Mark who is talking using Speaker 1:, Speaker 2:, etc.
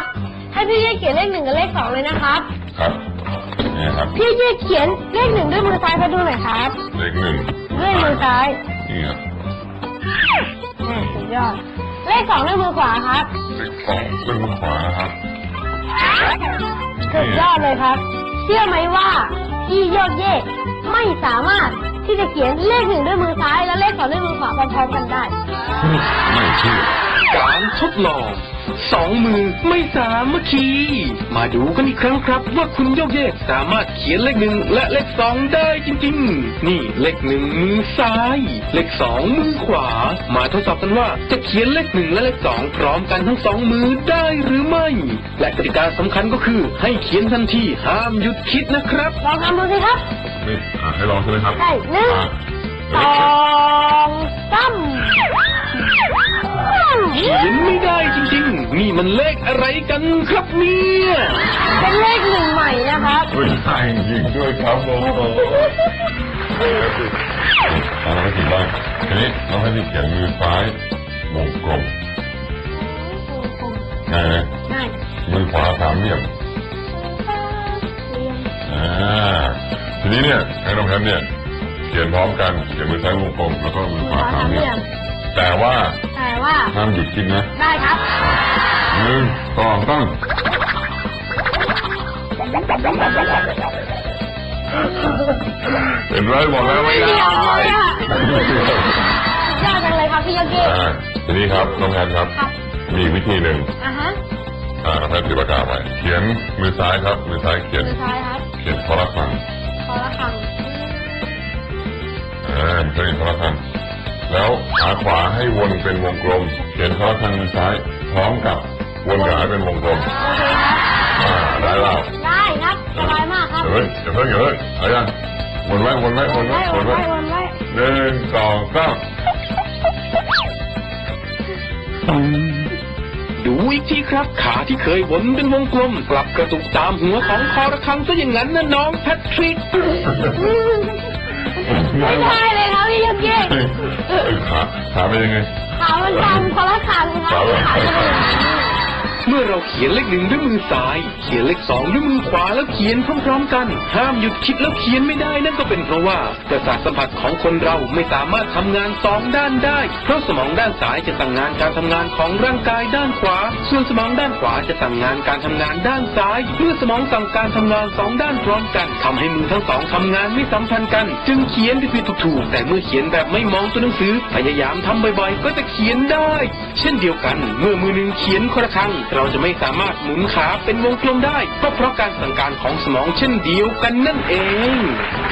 Speaker 1: ให้พี่เย่เขียนเลข 1กับเลข 2เลยนะครับ
Speaker 2: ครับนี่ครับ
Speaker 1: พี่เย่เขียนเลข 1ด้วยมือซ้ายให้ดูหน่อยครับ
Speaker 2: เลข 1
Speaker 1: ด้วยมือซ้าย
Speaker 2: นี่ครับ
Speaker 1: สุดยอดเลข 2ด้วยมือขวาครับ
Speaker 2: เลข 2ด้วยมือขวาครับ
Speaker 1: สุดยอดเลยครับเชื่อไหมว่าพี่โยกเย่ไม่สามารถที่จะเขียนเลข 1ด้วยมือซ้ายและเลข 2ด้วยมือขวาพร้อมๆกันได้
Speaker 2: ไม่เชื่อ
Speaker 3: การทดลอง2 มือไม่สามัคคีมาดูกันอีกครั้งครับว่าคุณโยกเยกสามารถเขียนเลข 1และเลข 2ได้จริงๆนี่เลข 1มือซ้ายเลข 2มือขวามาทดสอบกันว่าจะเขียนเลข 1และเลข 2พร้อมกันทั้ง2มือได้หรือไม่และกติกาสำคัญก็คือให้เขียนทันทีห้ามหยุดคิดนะครับ
Speaker 1: ลองทำดูสิครับ
Speaker 2: นี่ให้ลองใช่ไหมครับ
Speaker 1: ใช่1 2 3
Speaker 3: เขียนไม่ได้จริงๆนี่มันเลขอะไรกันครับเนี่ย
Speaker 1: เป็นเลข 1ใหม่นะครับ
Speaker 2: ไม่ใช่จริงด้วยครับผมเราให้ผิดบ้างทีนี้เราให้ผิดเขียนมือซ้ายวงกลมง่ายไหม
Speaker 1: ง่าย
Speaker 2: มือขวาสามเหลี่ยมทีนี้เนี่ยให้น้องแพมเนี่ยเขียนพร้อมกันเขียนมือซ้ายวงกลมแล้วก็มือขวาสามเหลี่ยมแต่ว่าห้ามหยุดคิดนะ
Speaker 1: ได้ครับ
Speaker 2: 1 2 3เห็นไรบอกแล้วไม่ได้
Speaker 1: ยากจังเลยครับพี่โยเกะ
Speaker 2: ทีนี้ครับน้องแพนครับมีวิธีหนึ่งน้องแพนถือปากกาไปเขียนมือซ้ายครับมือซ้ายเขียนคอระฆังเขียนคอระฆังแล้วขาขวาให้วนเป็นวงกลมเขียนคอระฆังมือซ้ายพร้อมกับวนขาเป็นวงกลมได้แล้ว
Speaker 1: ได้ครับสบายมากครับ
Speaker 2: อย่าเพิ่งเอายังวนไว้1 2 3
Speaker 3: ดูอีกทีครับขาที่เคยวนเป็นวงกลมกลับกระตุกตามหัวของคอระฆังซะอย่างนั้นนะน้องแพทริก
Speaker 1: ไม่ใช่เลยครับพี่โยเกะ
Speaker 2: ขาเป็นยังไง
Speaker 1: ขามันตามคอระฆังครับ
Speaker 3: เมื่อเราเขียนเลข 1ด้วยมือซ้ายเขียนเลข 2ด้วยมือขวาแล้วเขียนพร้อมๆกันห้ามหยุดคิดแล้วเขียนไม่ได้นั่นก็เป็นเพราะว่าประสาทสัมผัสของคนเราไม่สามารถทำงาน2ด้านได้เพราะสมองด้านซ้ายจะสั่งงานการทำงานของร่างกายด้านขวาส่วนสมองด้านขวาจะสั่งงานการทำงานด้านซ้ายเมื่อสมองสั่งการทำงาน2ด้านพร้อมกันทำให้มือทั้ง2ทำงานไม่สัมพันธ์กันจึงเขียนผิดถูกแต่เมื่อเขียนแบบไม่มองตัวหนังสือพยายามทำบ่อยๆก็จะเขียนได้เช่นเดียวกันเมื่อมือหนึ่งเขียนคอระฆังเราจะไม่สามารถหมุนขาเป็นวงกลมได้ก็เพราะการสั่งการของสมองเช่นเดียวกันนั่นเอง